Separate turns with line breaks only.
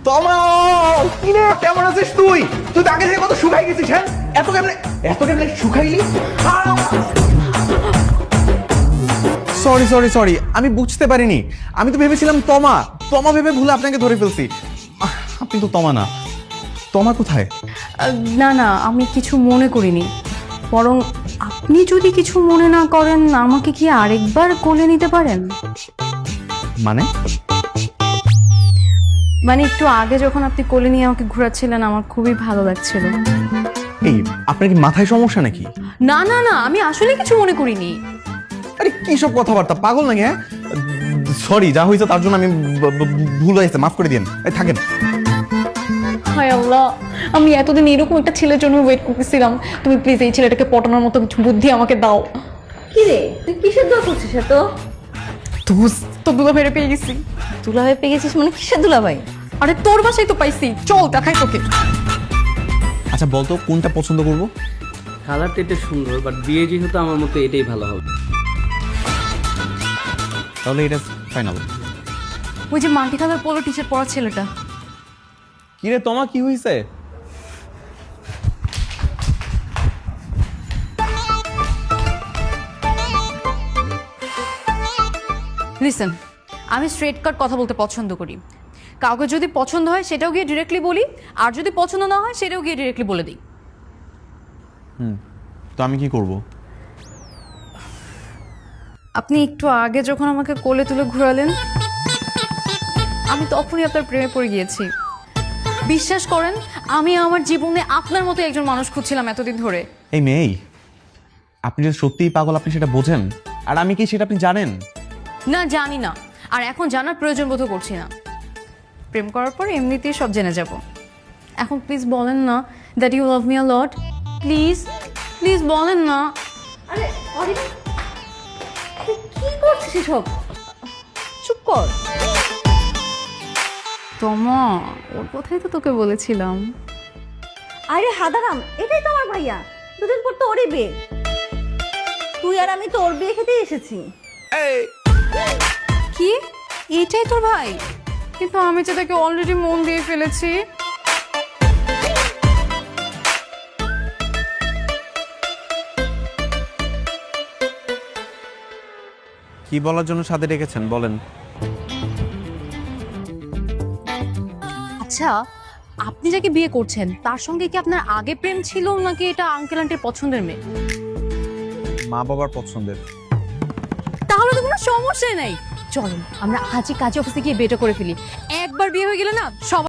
তমা, কি রে কেমন আছিস তুই? তুই তো আগে থেকে কত শুকাই গেছিস। হ্যাঁ, এত কেমনে শুকাইলি? সরি সরি সরি, আমি বুঝতে পারিনি। আমি তো ভেবেছিলাম তমা তমা ভেবে ভুলে আপনাকে ধরে ফেলছি। আপনি তো তমা না। তমা কোথায়?
না না, আমি কিছু মনে করিনি। বরং আপনি যদি কিছু মনে না করেন, আমাকে কি আরেকবার কোলে নিতে পারেন? মানে একটু আগে যখন আপনি কোলে নিয়ে আমাকে ঘোরাচ্ছিলেন, আমার খুবই ভালো লাগছিল।
এই, আপনার কি মাথায় সমস্যা নাকি?
না না না, আমি আসলে কিছু মনে করিনি।
আরে কি সব কথাবার্তা, পাগল নাকি? হ্যাঁ, সরি, যা হয়েছে তার জন্য আমি ভুল হয়েছে, মাফ করে দিন। থাকেন।
হায় আল্লাহ, আমি এতদিন এরকম একটা ছেলের জন্য ওয়েট করতেছিলাম। তুমি প্লিজ এই ছেলেটাকে পটানোর মতো কিছু বুদ্ধি আমাকে দাও।
কি রে, তুই কিসের দোয়া করছিস এত?
তো দুলা ভাইরে পেয়ে গেছি।
দুলাভাই পেয়ে গেছিস মানে কিসের দুলাভাই?
আরে তোর বাসায় তো পাইছি, চল দেখাই তোকে।
আচ্ছা বলতো, কোনটা পছন্দ করব?
কালারটা এটা সুন্দর, বাট বিয়ে যেহেতু আমার মতে এটাই ভালো হবে।
তাহলে এটা ফাইনাল।
ওই যে multi colour polo T shirt পরা ছেলেটা।
কি রে তোমার কি হয়েছে?
লিসেন, আমি স্ট্রেট কাট কথা বলতে পছন্দ করি। কাউকে যদি পছন্দ হয় সেটাও গিয়ে ডিরেক্টলি বলি, আর যদি পছন্দ না হয় সেটাও গিয়ে ডিরেক্টলি বলে দিই।
তো আমি কি করব?
আপনি একটু আগে যখন আমাকে কোলে তুলে ঘোরালেন, আমি তখনই আপনার প্রেমে পড়ে গিয়েছি। বিশ্বাস করেন, আমি আমার জীবনে আপনার মতো একজন মানুষ খুঁজছিলাম এতদিন ধরে।
এই মেয়ে, আপনি যদি সত্যিই পাগল, আপনি সেটা বোঝেন। আর আমি কি সেটা আপনি জানেন?
না, জানি না, আর এখন জানার প্রয়োজন বোধ করছি না। প্রেম করার পর এমনিতেই সব জেনে যাব। এখন প্লিজ বলেন না that you love me a lot. Please please বলেন না।
আরে অরিক, কি করছিস এসব? চুপ কর।
তোমা, ওর কথাই তো তোকে বলেছিলাম।
আরে হাদারাম, এটাই তো আমার ভাইয়া। দুদিন পর তো ওরই বিয়ে। তুই আর আমি তো ওর বিয়ে খেতে এসেছি।
কি, এটাই তোর ভাই? কিন্তু আমি তো তাকে অলরেডি মন দিয়ে ফেলেছি।
কি বলার জন্য সাথে ডেকেছেন বলেন।
আচ্ছা, আপনি যাকে বিয়ে করছেন তার সঙ্গে কি আপনার আগে প্রেম ছিল, নাকি এটা আঙ্কেল আন্টির পছন্দের মেয়ে?
মা বাবার পছন্দের।
তাহলে তো কোনো সমস্যা নাই। চলুন আমরা আজই কাজে অফিসে গিয়ে বিয়েটা করে ফেলি। একবার বিয়ে হয়ে গেলে না সব